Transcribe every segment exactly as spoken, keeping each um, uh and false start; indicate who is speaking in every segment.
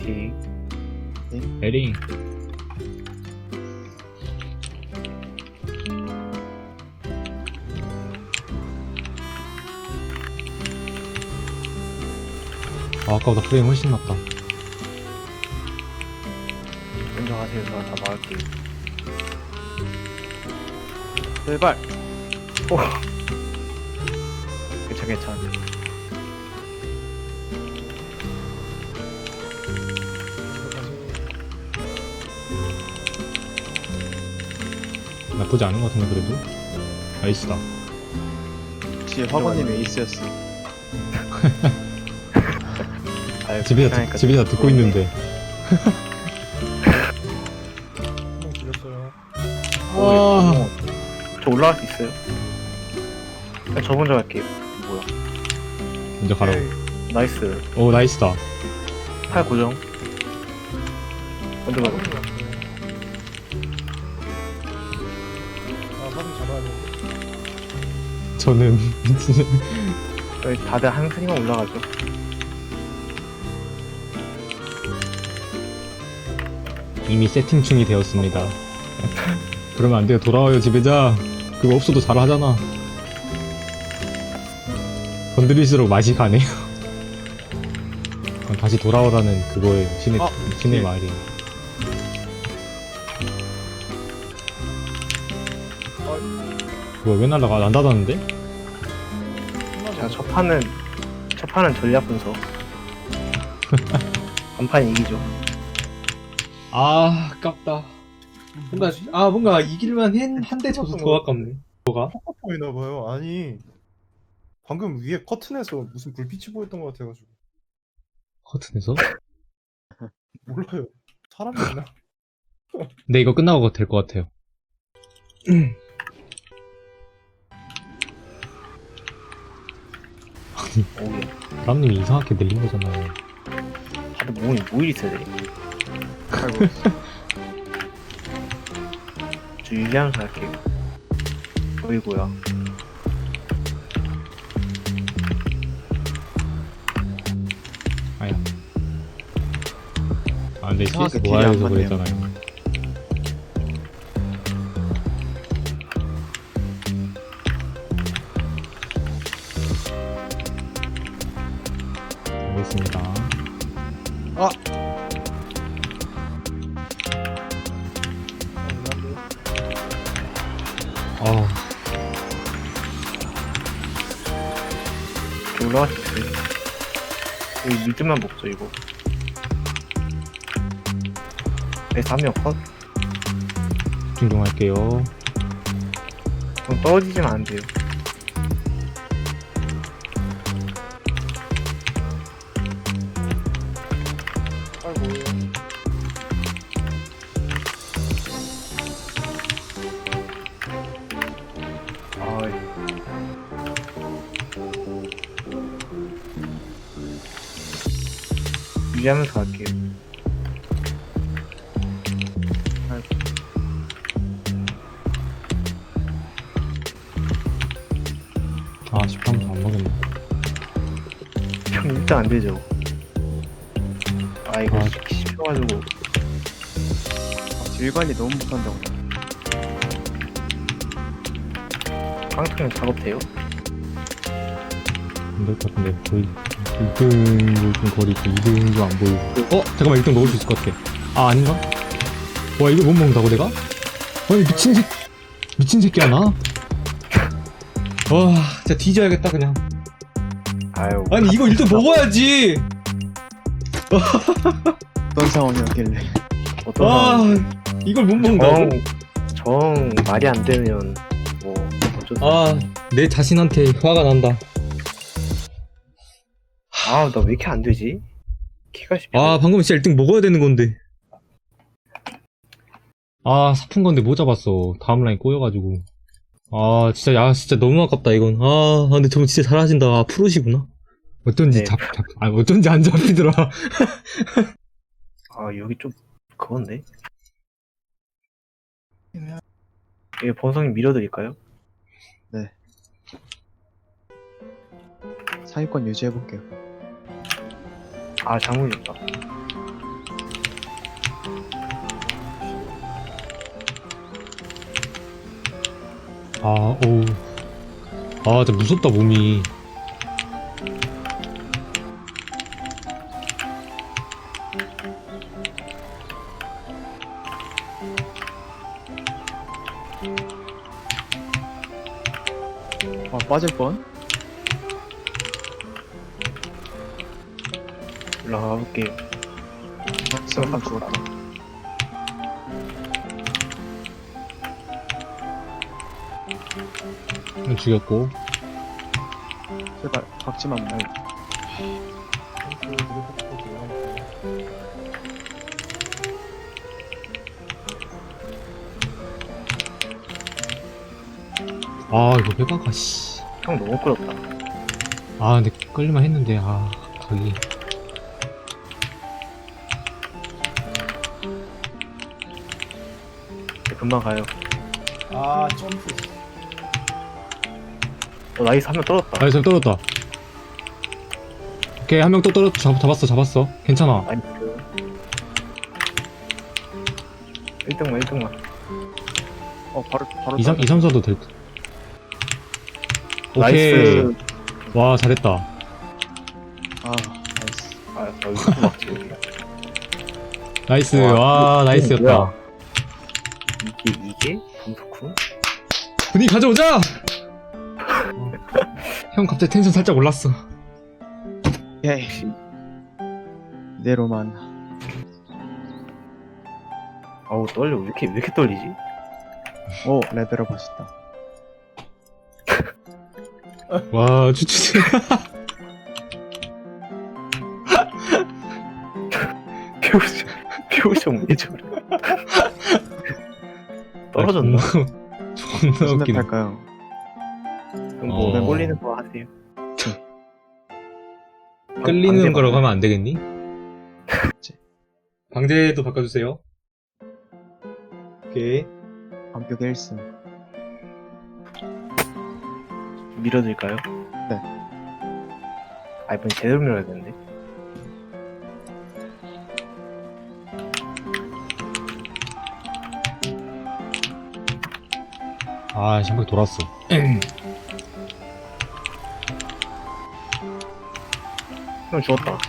Speaker 1: 파이팅.
Speaker 2: 에링. 아, 아까보다 프레임 훨씬 낫다.
Speaker 1: 먼저 가세요. 제가 다 막을게요. 제발. 오. 괜찮 괜찮.
Speaker 2: 나쁘지 않은 것 같은데 그래도. 나이스다.
Speaker 3: 뒤에 화관님 에이스였어.
Speaker 1: 아유,
Speaker 2: 집에다,
Speaker 1: 괜찮으니까
Speaker 2: 듣- 집에다 듣고 있는데.
Speaker 4: 한명 죽였어요.
Speaker 1: 오,
Speaker 2: 아.
Speaker 1: 어, 저 올라갈 수 있어요? 그냥 저 먼저 갈게요. 뭐야?
Speaker 2: 먼저 가라고.
Speaker 1: 나이스.
Speaker 2: 오, 나이스다.
Speaker 1: 팔 고정. 먼저 가고.
Speaker 4: 아, 사진 잡아야 돼.
Speaker 2: 저는 진짜
Speaker 1: 저희 다들 한 칸이만 올라가죠.
Speaker 2: 이미 세팅 중이 되었습니다. 그러면 안 돼요. 돌아와요, 지배자. 그거 없어도 잘하잖아. 건드릴수록 맛이 가네요. 다시 돌아오라는 그거의 신의,
Speaker 4: 아,
Speaker 2: 신의
Speaker 4: 예.
Speaker 2: 말이. 뭐야, 왜 날라가? 안 닫았는데?
Speaker 1: 자, 첫 판은 첫 판은 전략 분석. 간판 이기죠.
Speaker 2: 아, 아깝다. 뭔가, 아, 뭔가 이길만 한데 져서 더 아깝네. 뭐가?
Speaker 4: 보이나봐요. 아니, 방금 위에 커튼에서 무슨 불빛이 보였던 것 같아가지고.
Speaker 2: 커튼에서?
Speaker 4: 몰라요. 사람이 있나?
Speaker 2: 네, 이거 끝나고 될 것 같아요.
Speaker 1: 오케이.
Speaker 2: 라람님이 이상하게 늘린 거잖아요.
Speaker 1: 다들 몸이 뭐 이리 세대?
Speaker 3: 아이고.
Speaker 1: 저 유지하면서 할게요. 보이고요.
Speaker 2: 아야. 아, 근데
Speaker 3: 이상하게
Speaker 2: 씨에스
Speaker 3: 딜이
Speaker 2: 노아에서
Speaker 3: 안 맞네요.
Speaker 2: 그랬잖아요. 알겠습니다.
Speaker 3: 아!
Speaker 2: 아,
Speaker 1: 저 올라갈 수 있어요. 여기 미드만 먹죠 이거. 그래서 한명 컷?
Speaker 2: 존중할게요.
Speaker 1: 그럼 떨어지지면 안 돼요.
Speaker 4: 아이고.
Speaker 1: 아, 유지하면서 갈게요.
Speaker 2: 아, 십삼도 안 먹였네.
Speaker 1: 형 일단 안 되죠. 아 이거
Speaker 2: 아.
Speaker 1: 씹혀가지고
Speaker 3: 딜관이 너무 못한다고.
Speaker 1: 깡통형 작업돼요?
Speaker 2: 안 될 것 같은데. 거의 일 등도 좀 거리고 이 등도 안 보이고. 어? 잠깐만, 일 등 먹을 수 있을 것 같아. 아, 아닌가? 와, 이걸 못 먹는다고 내가? 아니, 미친 새, 미친 새끼야, 나? 와, 진짜 뒤져야겠다, 그냥.
Speaker 1: 아유.
Speaker 2: 아니, 이거 일 등 먹어야지!
Speaker 3: 어떤 상황이었길래.
Speaker 1: 어떤
Speaker 2: 아,
Speaker 1: 상황인지.
Speaker 2: 이걸 못 먹는다고?
Speaker 1: 정, 정 말이 안 되면 뭐 어쩔 수
Speaker 2: 아, 내 자신한테 화가 난다.
Speaker 1: 아, 나 왜 이렇게 안 되지? 키가 씹혀.
Speaker 2: 아, 방금 진짜 일 등 먹어야 되는 건데. 아, 사푼 건데 못 잡았어. 다음 라인 꼬여가지고. 아, 진짜, 야, 진짜 너무 아깝다, 이건. 아, 근데 저분 진짜 잘하신다. 아, 프로시구나. 어쩐지
Speaker 1: 네.
Speaker 2: 잡, 잡, 아, 어쩐지 안 잡히더라.
Speaker 1: 아, 여기 좀 그건데? 이거 본성이 밀어드릴까요?
Speaker 3: 상위권 유지해볼게요.
Speaker 1: 아, 잘못했다.
Speaker 2: 아, 어우. 아, 진짜 무섭다, 몸이.
Speaker 3: 아 빠질 뻔.
Speaker 1: 올라가 볼게요.
Speaker 3: 잠깐 죽었다.
Speaker 2: 음, 죽였고.
Speaker 3: 제발 박지만 말고.
Speaker 2: 아, 이거 빼박아, 씨.
Speaker 1: 형 너무 끌었다.
Speaker 2: 아, 근데 끌리만 했는데, 아, 각이.
Speaker 1: 네, 금방 가요.
Speaker 4: 아 점프.
Speaker 1: 어, 나이스 한 명 떨었다.
Speaker 2: 아, 잘 떨어졌다. 오케이, 한 명 또 떨어, 잡, 잡았어, 잡았어. 괜찮아.
Speaker 1: 나이스. 일 등만 일 등만.
Speaker 3: 어 바로 바로.
Speaker 2: 이, 삼, 이, 삼, 사도 될 듯. 오케이.
Speaker 1: 나이스.
Speaker 2: 와, 잘했다.
Speaker 3: 아 나이스.
Speaker 1: 아, 나 여기서 막지.
Speaker 2: 나이스.
Speaker 1: 와,
Speaker 2: 와,
Speaker 1: 이거
Speaker 2: 나이스였다.
Speaker 1: 뭐야? 이게 이게 범석훈?
Speaker 2: 분위기 가져오자! 형 갑자기 텐션 살짝 올랐어.
Speaker 3: 예이. 이대로만.
Speaker 1: 아우 떨려. 왜 이렇게 왜 이렇게 떨리지?
Speaker 3: 오 레벨업 하셨다.
Speaker 2: 와, 추추.
Speaker 1: 표정 표정 왜 저래? 떨어졌나?
Speaker 2: 존나
Speaker 3: 무슨 맵
Speaker 2: 웃기네.
Speaker 3: 할까요?
Speaker 1: 그럼 뭐
Speaker 2: 어.
Speaker 1: 꼴리는 거 하세요.
Speaker 2: 끌리는
Speaker 1: 방제
Speaker 2: 거라고
Speaker 1: 맞나요?
Speaker 2: 하면 안 되겠니? 방제도 바꿔주세요. 오케이.
Speaker 3: 완벽 일 승.
Speaker 1: 밀어드릴까요?
Speaker 3: 네.
Speaker 1: 아 이번 제대로 밀어야겠는데.
Speaker 2: 아, 한 바퀴 돌았어.
Speaker 1: 형 죽었다.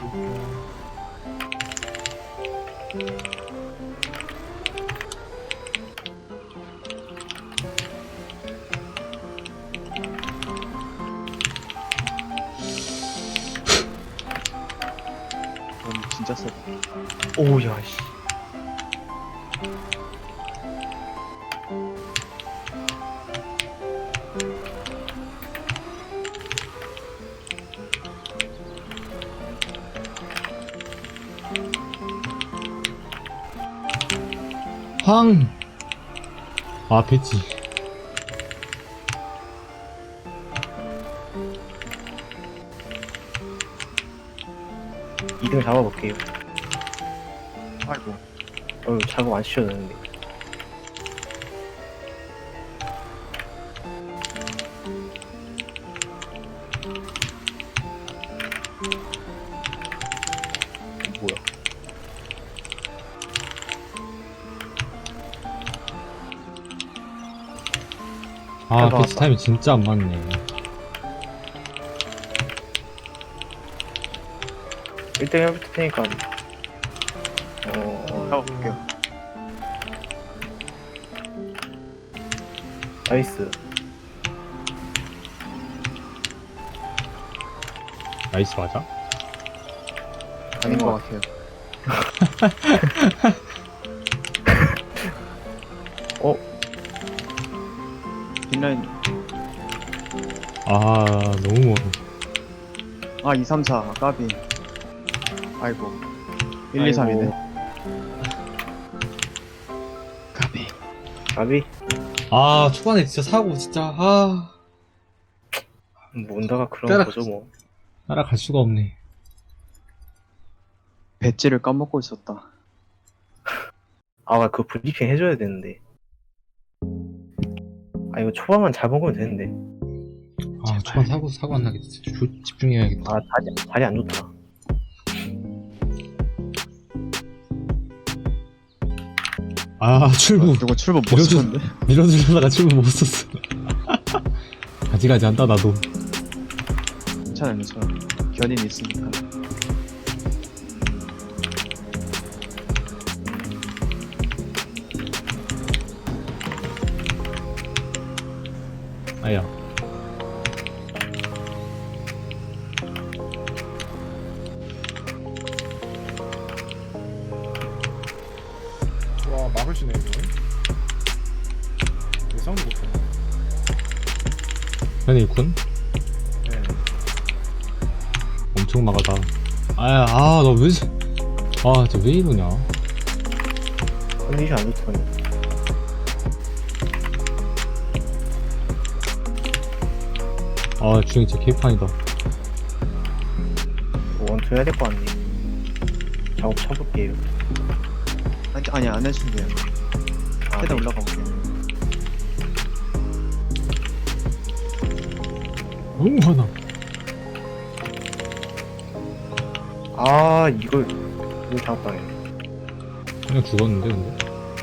Speaker 3: 너무 진짜 세다.
Speaker 1: 오야 씨.
Speaker 2: 황! 아, 배지.
Speaker 1: 이 등 잡아볼게요.
Speaker 3: 아이고.
Speaker 1: 어 작업 안 시켜도 되는데. 뭐야?
Speaker 2: 아,
Speaker 1: 해봐,
Speaker 2: 배지
Speaker 1: 해봐.
Speaker 2: 타임이 진짜 안 맞네.
Speaker 1: 일 등 해볼 테니까. 어,
Speaker 3: 잡아볼게요.
Speaker 1: 나이스.
Speaker 2: 나이스 맞아?
Speaker 3: 아닌 것 같아요.
Speaker 1: 어,
Speaker 3: 뒷라인.
Speaker 2: 아, 너무 멀어.
Speaker 3: 아 이, 삼, 사 까비. 아이고. 일, 이, 삼이네. 까비.
Speaker 1: 가비?
Speaker 2: 아, 초반에 진짜 사고, 진짜, 아.
Speaker 1: 뭔다가 그런
Speaker 2: 따라-
Speaker 1: 거죠 뭐.
Speaker 2: 따라갈 수가 없네.
Speaker 3: 배지를 까먹고 있었다.
Speaker 1: 아, 그 브리핑 해줘야 되는데. 아, 이거 초반만 잘 먹으면 되는데.
Speaker 2: 아, 초반 사고, 사고 안 나겠다. 진짜 조- 집중해야겠다.
Speaker 1: 아, 자리, 자리 안 좋다.
Speaker 2: 아, 출구.
Speaker 3: 누구 출범 못
Speaker 2: 밀어줘.
Speaker 3: 썼는데?
Speaker 2: 밀어주려다가 출구 못 썼어. 가지가지 한다 나도.
Speaker 3: 괜찮아 괜찮아. 견인 있으니까.
Speaker 2: 아야.
Speaker 4: 와 막으시네 이거. 예상도 못해.
Speaker 2: 현이 일꾼?
Speaker 4: 네.
Speaker 2: 엄청 막아다. 아야, 아, 너 왜, 아, 진짜 왜 이러냐.
Speaker 1: 컨디션 안 좋더니.
Speaker 2: 아, 주행 진짜 개판이다.
Speaker 1: 원투 해야 될 거 같네. 작업 쳐볼게요.
Speaker 3: 아니 아니 안 해주면 돼요.
Speaker 1: 아,
Speaker 3: 해다
Speaker 1: 네.
Speaker 3: 올라가 볼게요.
Speaker 2: 너무 화나.
Speaker 1: 아, 이걸, 이걸 작업당해.
Speaker 2: 그냥 죽었는데, 근데.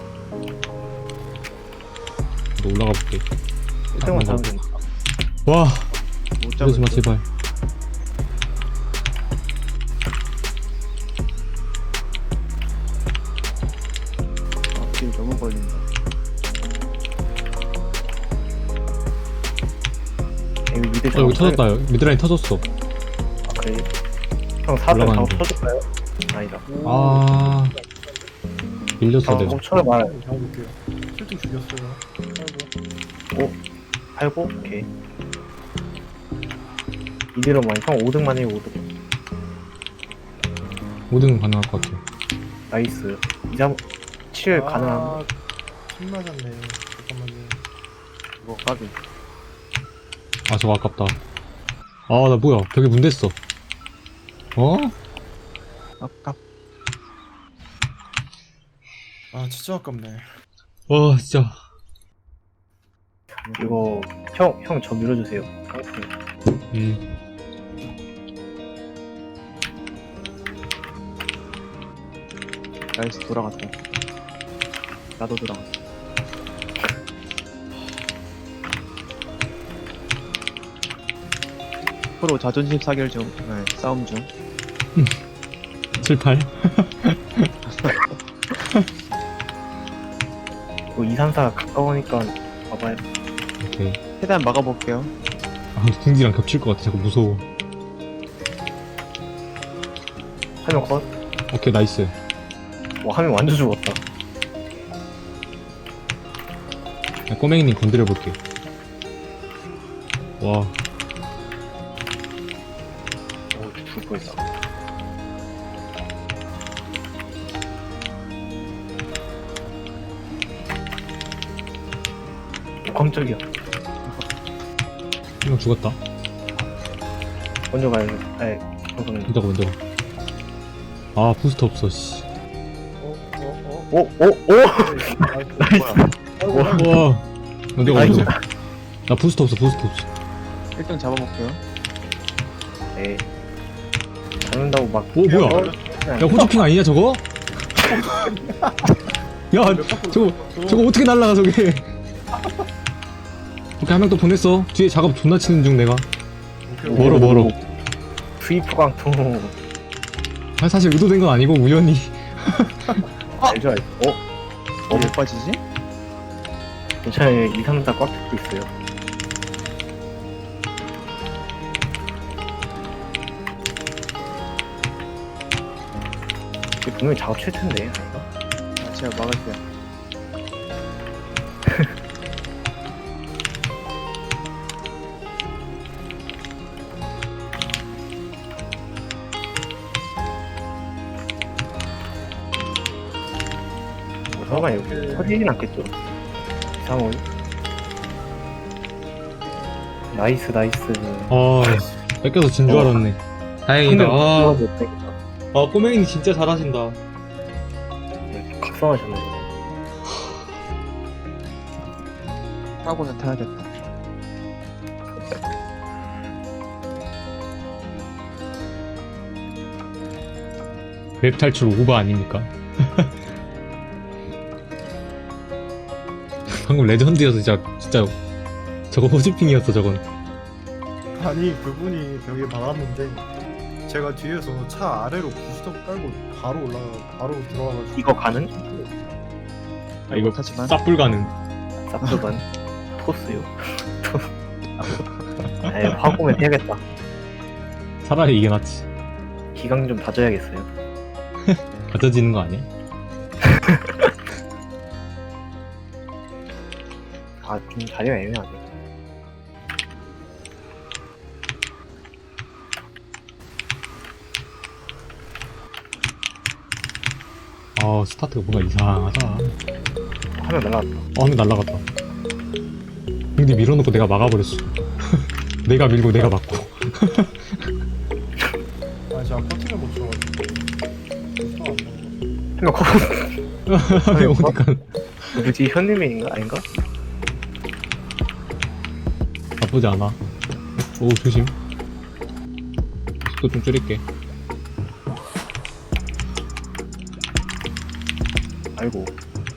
Speaker 2: 너 올라가 볼게.
Speaker 1: 일 등만 잡으면 된다.
Speaker 2: 와,
Speaker 3: 못
Speaker 2: 이러지 마,
Speaker 3: 잡을 듯.
Speaker 2: 제발.
Speaker 3: 아, 길 너무 걸린다.
Speaker 1: 여기 미드
Speaker 2: 어,
Speaker 1: 작업
Speaker 2: 여기 터졌다. 미드라인 터졌어.
Speaker 1: 아, 그래? 형 사 등 작업
Speaker 2: 올라가는데.
Speaker 1: 쳐줄까요? 아니다.
Speaker 2: 아, 밀렸어,
Speaker 1: 작업
Speaker 2: 내가.
Speaker 1: 좀 쳐봐.
Speaker 4: 잡아볼게요. 실증 죽였어요. 아이고.
Speaker 1: 팔고, 오케이. 이대로만, 형 오 등만 해요, 오 등.
Speaker 2: 오 등은 가능할 것 같아.
Speaker 1: 나이스. 이삼, 칠 가능한.
Speaker 4: 아, 침 맞았네. 잠깐만요.
Speaker 3: 이거 까비.
Speaker 2: 아, 저거 아깝다. 아, 나 뭐야. 벽에 문 댔어. 어?
Speaker 3: 아깝.
Speaker 4: 아 진짜 아깝네.
Speaker 2: 와, 진짜.
Speaker 1: 이거, 형, 형 저 밀어주세요. 깡통.
Speaker 2: 음.
Speaker 3: 나이스 돌아갔다. 나도 돌아갔어. 프로 자존심 사결 중. 네, 싸움 중.
Speaker 2: 칠, 팔.
Speaker 1: 이거 이, 삼, 사 가까우니까 봐봐요.
Speaker 2: 오케이.
Speaker 3: 최대한 막아볼게요.
Speaker 2: 아, 궁지랑 겹칠 것 같아. 자꾸 무서워.
Speaker 1: 화면 컷.
Speaker 2: 오케이, 나이스.
Speaker 1: 와, 화면 완전 죽었다.
Speaker 2: 야, 꼬맹이님 건드려볼게. 와,
Speaker 1: 오, 죽을 뻔했다. 오, 깜짝이야.
Speaker 2: 한 명 죽었다.
Speaker 1: 먼저 가야죠. 아이, 방금.
Speaker 2: 먼저 가, 먼저 가. 아, 부스터 없어, 씨.
Speaker 4: 어, 어, 어.
Speaker 1: 오, 오, 오!
Speaker 4: 나이스.
Speaker 1: 와,
Speaker 2: 와, 나 내가
Speaker 1: 나이스.
Speaker 2: 먼저. 나 부스터 없어, 부스터 없어.
Speaker 3: 일 등 잡아볼게요.
Speaker 1: 에이. 잡는다고 막.
Speaker 2: 오, 뭐야?
Speaker 1: 어?
Speaker 2: 야, 호주핑 아니냐, 저거? 야, 저거, 저거 어떻게 날라가, 저게. 오케이, 한 명 또 보냈어. 뒤에 작업 존나 치는 중, 내가.
Speaker 4: 오케이,
Speaker 2: 멀어, 멀어.
Speaker 1: 스위프 강통.
Speaker 2: 아, 사실 의도된 건 아니고, 우연히.
Speaker 1: 알죠, 알죠. 어?
Speaker 3: 어, 못 빠지지?
Speaker 1: 괜찮아요. 이, 삼, 사 꽉 잡고 있어요. 이게 분명히 작업 칠 텐데, 아닌가?
Speaker 3: 아, 제가 막을게요.
Speaker 1: 뭐, 설마 여기 터지진 않겠죠? 이상호. 나이스, 나이스.
Speaker 2: 아, 뺏겨서 진 줄 알았네. 다행이다. 아,
Speaker 1: 못
Speaker 2: 아, 꼬맹이님 진짜 잘하신다.
Speaker 1: 각성하셨네.
Speaker 3: 하고는 타야겠다.
Speaker 2: 웹 탈출 오버 아닙니까? 방금 레전드여서 진짜, 진짜, 저거 호주핑이었어, 저건.
Speaker 4: 아니 그분이 벽에 박았는데 제가 뒤에서 차 아래로 부스터 깔고 바로 올라가 바로 들어와가지고
Speaker 1: 이거 가능?
Speaker 2: 아 이거
Speaker 3: 하지만
Speaker 2: 쌉불 가능.
Speaker 1: 쌉두번 토스요. 에이, 화공을 해야겠다.
Speaker 2: 차라리 이게 낫지.
Speaker 1: 기강 좀 다져야겠어요.
Speaker 2: 가져지는 거 아니야?
Speaker 1: 아, 좀 자리가 애매하네.
Speaker 2: 아 스타트가 뭔가 이상하다.
Speaker 1: 화면 날라갔다.
Speaker 2: 어, 하늘 날라갔다. 근데 밀어놓고 내가 막아버렸어. 내가 밀고 내가 막고.
Speaker 4: 아니 제가 커팅을 못 쳐가지고 부스터가 안 나와.
Speaker 1: 그냥 커
Speaker 2: 왜 오니까
Speaker 1: 뭐지, 현님인가? 아닌가?
Speaker 2: 나쁘지 않아. 오 조심. 속도 좀 줄일게.
Speaker 1: 아이고.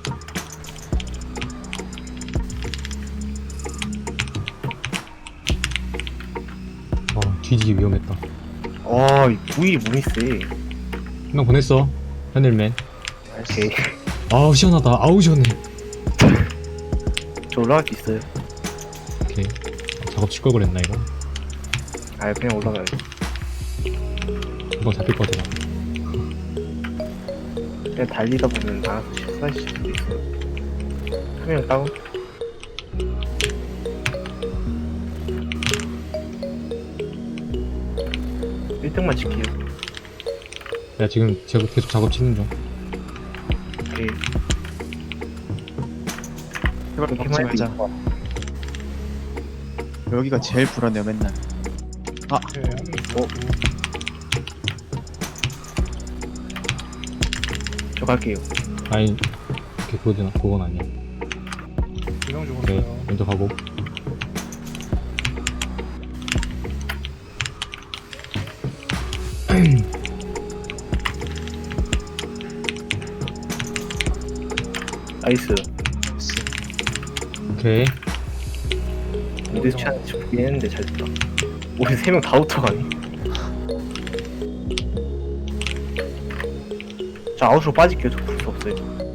Speaker 2: 아 뒤지기 위험했다.
Speaker 1: 아, 이 부위 무이 세.
Speaker 2: 한 명 보냈어. 하늘맨.
Speaker 1: 오케이.
Speaker 2: 아우 시원하다. 아우 시원해.
Speaker 1: 저 올라갈 수 있어요.
Speaker 2: 오케이. 아, 작업 칠 걸 그랬나 이거?
Speaker 1: 아, 그냥 올라가야지.
Speaker 2: 이거 잡힐 것 같아.
Speaker 1: 그냥 달리다 보면 알아서 실수하실 수도 있어요. 화면 다운. 일 등만 지켜요.
Speaker 2: 야 지금 제가 계속 작업 치는 중.
Speaker 1: 오케이.
Speaker 3: 제발
Speaker 1: 그렇게만
Speaker 3: 먹지
Speaker 1: 해도
Speaker 3: 말자.
Speaker 1: 이거.
Speaker 3: 여기가 제일 불안해요 맨날.
Speaker 4: 네,
Speaker 1: 어? 저 갈게요.
Speaker 2: 아니 이렇게 그거든 그건 아니야.
Speaker 4: 두명
Speaker 2: 오케이
Speaker 4: 죽었어요.
Speaker 2: 먼저 가고.
Speaker 1: 나이스.
Speaker 2: 오케이.
Speaker 1: 미드 취한 보긴 했는데 잘 됐다. 우리 세 명 다 붙어가네. 저 아웃으로 빠질게요. 저 풀 수 없어요.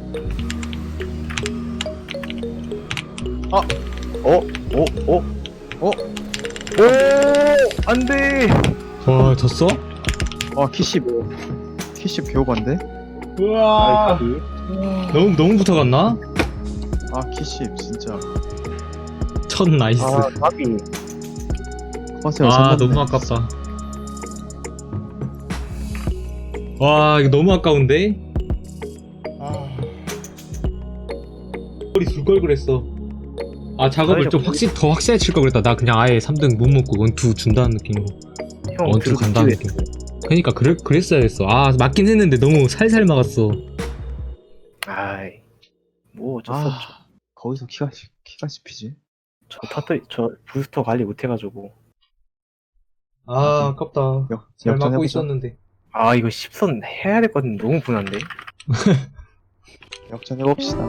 Speaker 1: 아! 어? 어? 어?
Speaker 3: 어?
Speaker 1: 오! 안 돼!
Speaker 2: 와 졌어?
Speaker 3: 아 키십. 키십 개오반데?
Speaker 2: 우와.
Speaker 1: 나이스.
Speaker 2: 너무 너무 붙어갔나?
Speaker 3: 아 키십 진짜.
Speaker 2: 첫 나이스.
Speaker 1: 아, 답이.
Speaker 3: 커세요.
Speaker 2: 아 너무 아깝다. 와 이거 너무 아까운데?
Speaker 4: 아
Speaker 2: 머리 둘걸 그랬어. 아 작업을 좀
Speaker 1: 사회적
Speaker 2: 확실 더 확실하게 칠 걸 그랬다. 나 그냥 아예 삼 등 못 먹고 원투 준다는 느낌으로.
Speaker 1: 형,
Speaker 2: 원투
Speaker 1: 들고
Speaker 2: 간다는
Speaker 1: 있지,
Speaker 2: 느낌. 그니까 그래, 그랬어야 했어. 아 맞긴 했는데 너무 살살 막았어.
Speaker 1: 아이. 뭐 어쩔 수 없죠.
Speaker 3: 아 거기서 키가 씹- 키가 씹히지.
Speaker 1: 저 타트, 저 부스터 관리 못해가지고.
Speaker 2: 아 아깝다.
Speaker 3: 역
Speaker 2: 잘
Speaker 3: 역전
Speaker 2: 막고
Speaker 3: 해보자.
Speaker 2: 있었는데.
Speaker 1: 아, 이거 십선 해야 될 것 같은데 너무 분한데?
Speaker 3: 역전 해봅시다.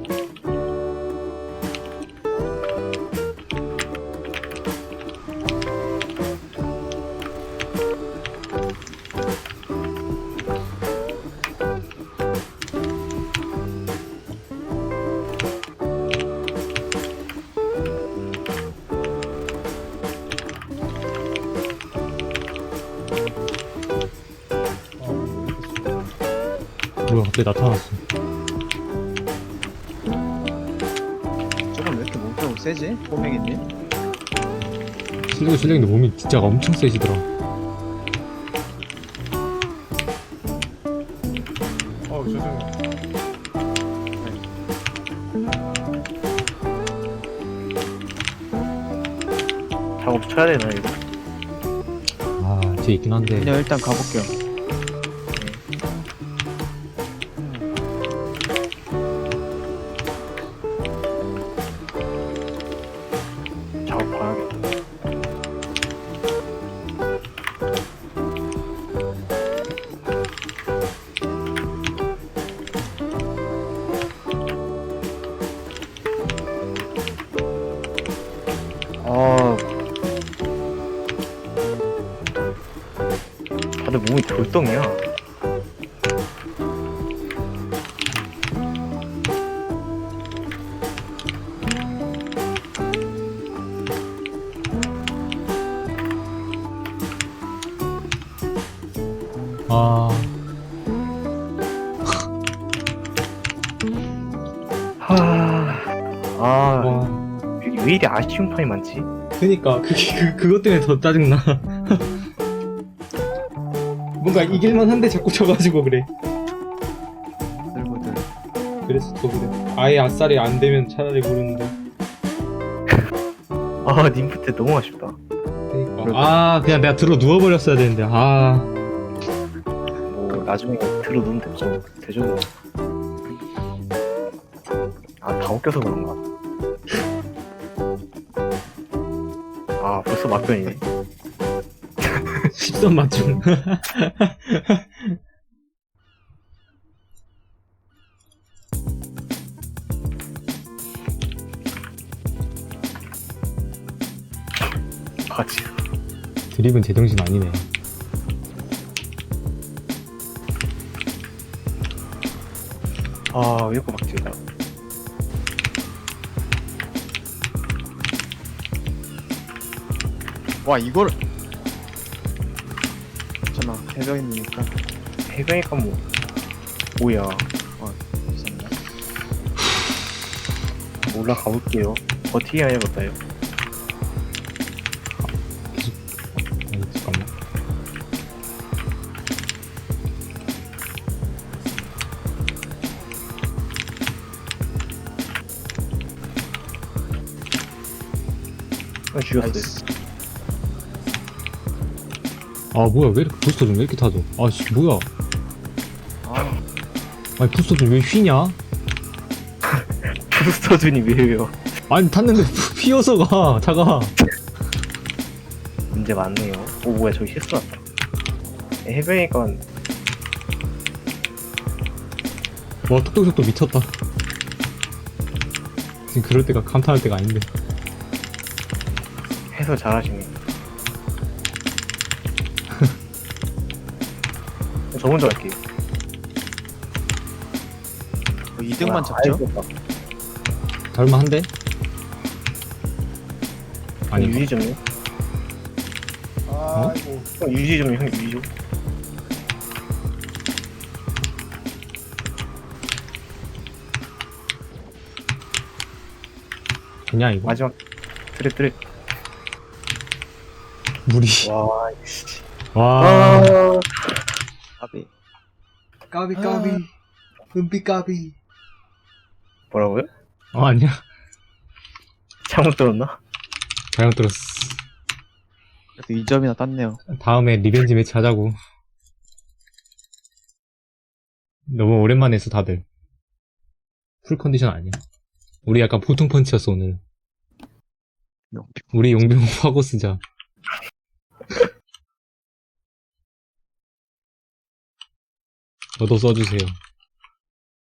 Speaker 2: 뭐야 갑자기 나타났어.
Speaker 3: 저건 왜 이렇게 몸싸움 세지? 꼬맹이님?
Speaker 2: 실력이 실력인데 몸이 진짜 엄청 세지더라.
Speaker 4: 어 죄송해요.
Speaker 1: 작업 쳐야 되나, 이거?
Speaker 2: 아 뒤에 있긴 한데.
Speaker 3: 그냥 일단 가볼게요.
Speaker 1: 작업 봐야겠다. 아, 돌덩이야.
Speaker 2: 아,
Speaker 1: 하... 아,
Speaker 2: 와.
Speaker 1: 여기 왜 이리 아쉬운 판이 많지?
Speaker 2: 그니까 그게 그, 그것 때문에 더 짜증나. 뭔가 이길만 한데 자꾸 져가지고 그래.
Speaker 3: 들고들.
Speaker 2: 그래서 더 그래. 아예 아싸리 안 되면 차라리 모르는데.
Speaker 1: 아, 님프 때 너무 아쉽다.
Speaker 2: 그니까. 아, 그냥 내가 들어 누워버렸어야 되는데. 아,
Speaker 1: 뭐, 나중에 들어 놓으면 되죠. 되죠. 아, 다 웃겨서 그런가. 아, 벌써 막변이네.
Speaker 2: 십선 맞춤.
Speaker 1: 같이.
Speaker 2: 드립은 제정신 아니네.
Speaker 1: 아, 왜 이렇게 막지다.
Speaker 3: 와 이걸. 괜찮아 해변이니까.
Speaker 1: 해변이니까 뭐. 뭐야.
Speaker 3: 죄송합니다.
Speaker 1: 올라가 볼게요. 버티기 해야겠다요.
Speaker 2: 아니, 잠깐만.
Speaker 1: 아, 죽였어요.
Speaker 3: 나이스.
Speaker 2: 아, 뭐야, 왜 이렇게 부스터 좀 왜 이렇게 타죠? 아씨, 뭐야.
Speaker 3: 아
Speaker 2: 아니, 부스터 좀 왜 휘냐?
Speaker 1: 부스터준이 왜요?
Speaker 2: 아니, 탔는데 휘어서 가, 차가.
Speaker 1: 문제 많네요. 오, 뭐야, 저기 실수 났다. 해변이니까
Speaker 2: 와, 톡톡톡톡 미쳤다. 지금 그럴 때가 감탄할 때가 아닌데.
Speaker 1: 해설 잘하시네. 저 먼저 갈게요.
Speaker 3: 뭐 이 등만
Speaker 1: 아,
Speaker 3: 잡죠?
Speaker 1: 아이고,
Speaker 2: 닮만한데? 아니,
Speaker 1: 유지 좀요?
Speaker 4: 아이고.
Speaker 1: 형, 유지 좀요, 형, 유지 좀.
Speaker 2: 그냥 이거?
Speaker 1: 마지막 드랩 드랩.
Speaker 2: 물이.
Speaker 1: 와, 씨.
Speaker 2: 와.
Speaker 1: 아,
Speaker 3: 까비.
Speaker 4: 까비
Speaker 3: 까비.
Speaker 4: 은비 까비.
Speaker 1: 뭐라고요?
Speaker 2: 어, 아니야.
Speaker 1: 잘못 들었나?
Speaker 2: 잘못 들었어.
Speaker 3: 그래도 이 점이나 땄네요.
Speaker 2: 다음에 리벤지 매치 하자고. 너무 오랜만에 했어, 다들. 풀 컨디션 아니야. 우리 약간 보통 펀치였어, 오늘. 우리 용병 화고 쓰자. 너도 써주세요.